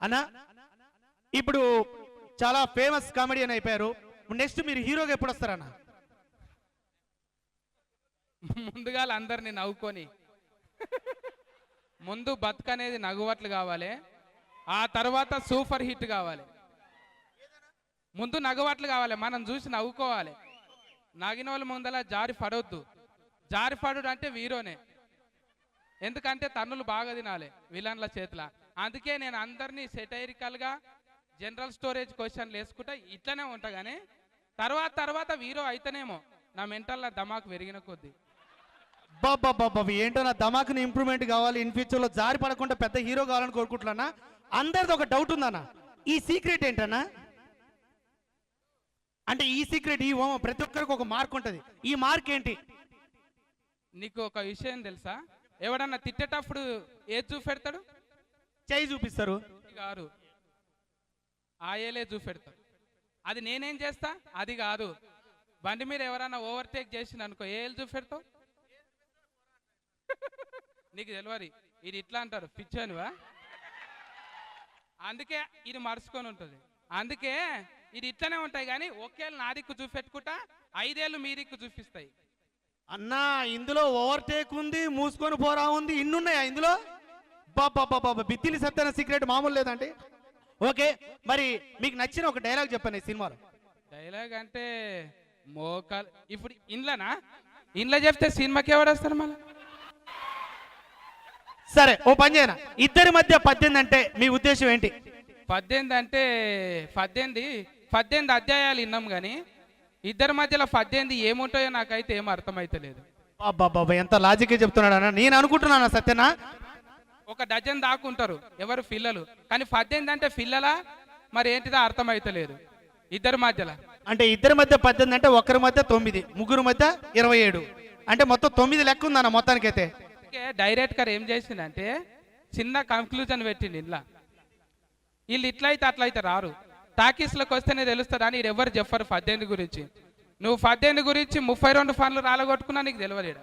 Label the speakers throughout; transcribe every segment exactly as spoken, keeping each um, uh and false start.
Speaker 1: అన్న ఇప్పుడు చాలా ఫేమస్ కామెడియన్ అయిపోయారు. నెక్స్ట్ మీరు హీరోగా ఎప్పుడు వస్తారన్న?
Speaker 2: ముందుగా అందరిని నవ్వుకొని ముందు బతుకనేది నవ్వువట్లు కావాలి, ఆ తర్వాత సూపర్ హిట్ కావాలి. ముందు నవ్వువట్లు కావాలి, మనం చూసి నవ్వుకోవాలి. నగిన వాళ్ళ ముందల జారి పడవద్దు. జారి పడుడు అంటే వీరోనే, ఎందుకంటే తన్నులు బాగా తినాలి విలన్ల చేతుల. అందుకే నేను అందరినీ సెటైరికల్గా జనరల్ స్టోరేజ్ క్వశ్చన్లు వేసుకుంటా ఇట్లనే ఉంటా. కానీ తర్వాత తర్వాత వీరో అయితేనేమో నా మెంటల్ దమాకు పెరిగిన కొద్దీ.
Speaker 1: బాబా బాబా ఏంటో నా దమాకుని ఇంప్రూవ్మెంట్ కావాలి, ఇన్ ఫ్యూచర్లో జారి పడకుండా పెద్ద హీరో కావాలని కోరుకుంటున్నా. అందరిది ఒక డౌట్ ఉందన్న, ఈ సీక్రెట్ ఏంటన్నా? అంటే ఈ సీక్రెట్ ఈ ఓమ ప్రతి ఒక్కరికి ఒక మార్క్ ఉంటుంది, ఈ మార్క్ ఏంటి?
Speaker 2: నీకు ఒక విషయం తెలుసా? ఎవడన్నా తిట్టేటప్పుడు ఏది చూపెడతాడు?
Speaker 1: చేయి చూపిస్తారు
Speaker 2: గారు, ఆయలే చూపెడతాడు. అది నేనేం చేస్తా? అది కాదు. బండి మీద ఎవరైనా ఓవర్టేక్ చేసింది అనుకో, ఏళ్ళు చూపెడతావు? నీకు తెలియదు, ఇది ఇట్లా అంటారు పిచ్చనివా. అందుకే ఇది మరుచుకొని ఉంటుంది. అందుకే ఇది ఇట్లనే ఉంటాయి. కానీ ఒకేళ్ళు నా దిక్కు చూపెట్టుకుంటా, ఐదేళ్ళు మీ దిక్కు చూపిస్తాయి.
Speaker 1: అన్నా ఇందులో ఓవర్టేక్ ఉంది, మూసుకొని పోరా ఉంది, ఇన్నున్నాయా ఇందులో? బాబా బాబా బిత్తిలి సత్తన సీక్రెట్ మామూలు లేదండి. ఓకే, మరి మీకు నచ్చిన ఒక డైలాగ్ చెప్పండి ఈ సినిమాలో.
Speaker 2: డైలాగ్ అంటే మోకాలు ఇప్పుడు ఇండ్లనా? ఇండ్ల చెప్తే సినిమాకి ఎవడేస్తారు మళ్ళీ?
Speaker 1: సరే ఓ పని చేయనా, ఇద్దరి మధ్య పద్దెనిమిది అంటే మీ ఉద్దేశం ఏంటి?
Speaker 2: పద్దెనిమిది అంటే పద్దెనిమిది పద్దెనిమిది అధ్యాయాలు విన్నాం, కానీ ఇద్దరి మధ్యలో పద్దెనిమిది ఏముంటాయో నాకైతే ఏం అర్థమైతలేదు.
Speaker 1: బాబా బాబా ఎంత లాజిక్గా చెప్తున్నాడు అన్న. నేను అనుకుంటున్నాను సత్యనా
Speaker 2: ఒక డజన్ దాక్కుంటారు ఎవరు పిల్లలు, కానీ పద్దెనిమిది అంటే పిల్లలా మరి ఏంటిదో అర్థమైతలేదు ఇద్దరి మధ్యలో.
Speaker 1: అంటే ఇద్దరి మధ్య పద్దెనిమిది అంటే ఒకరి మధ్య తొమ్మిది, ముగ్గురు మధ్య ఇరవై ఏడు, అంటే మొత్తం తొమ్మిది లెక్క ఉందన్న మొత్తానికైతే.
Speaker 2: డైరెక్టర్ ఏం చేసిందంటే చిన్న కంక్లూజన్ పెట్టింది. ఇంట్లో వీళ్ళు ఇట్లయితే అట్లయితే రారు, టాకీస్లోకి వస్తేనే తెలుస్తుంది అని ఎవరు చెప్పరు పద్దెనిమిది గురించి. నువ్వు పద్దెనిమిది గురించి ముప్పై రెండు ఫన్లు రాలగొట్టుకున్నా నీకు తెలియదు.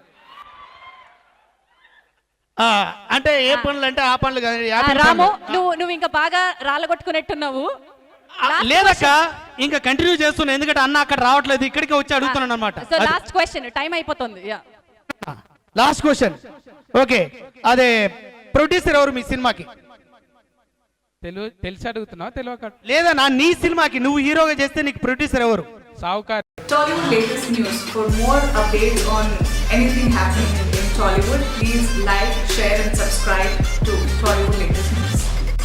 Speaker 1: అంటే ఏ పనులు అంటే ఆ పనులు కాదు.
Speaker 3: రాము, నువ్వు నువ్వు ఇంకా బాగా రాలగొట్టుకున్నట్టున్నావు.
Speaker 1: లేదక్క ఇంకా కంటిన్యూ చేస్తున్నా, ఎందుకంటే అన్న అక్కడ రావట్లేదు, ఇక్కడికి వచ్చి అడుగుతున్నాను అనమాట.
Speaker 3: సో లాస్ట్ క్వశ్చన్, టైం అయిపోతుంది.
Speaker 1: Last question. ఓకే, అదే ప్రొడ్యూసర్ ఎవరు మీ సినిమాకి?
Speaker 2: తెలుగు తెలిసి అడుగుతున్నావు తెలియక?
Speaker 1: లేదా నా నీ సినిమాకి నువ్వు హీరోగా చేస్తే నీకు ప్రొడ్యూసర్ ఎవరు?
Speaker 2: సావుకార్.
Speaker 4: Tollywood latest news. For more updates on anything happening in Tollywood, please like, share and subscribe to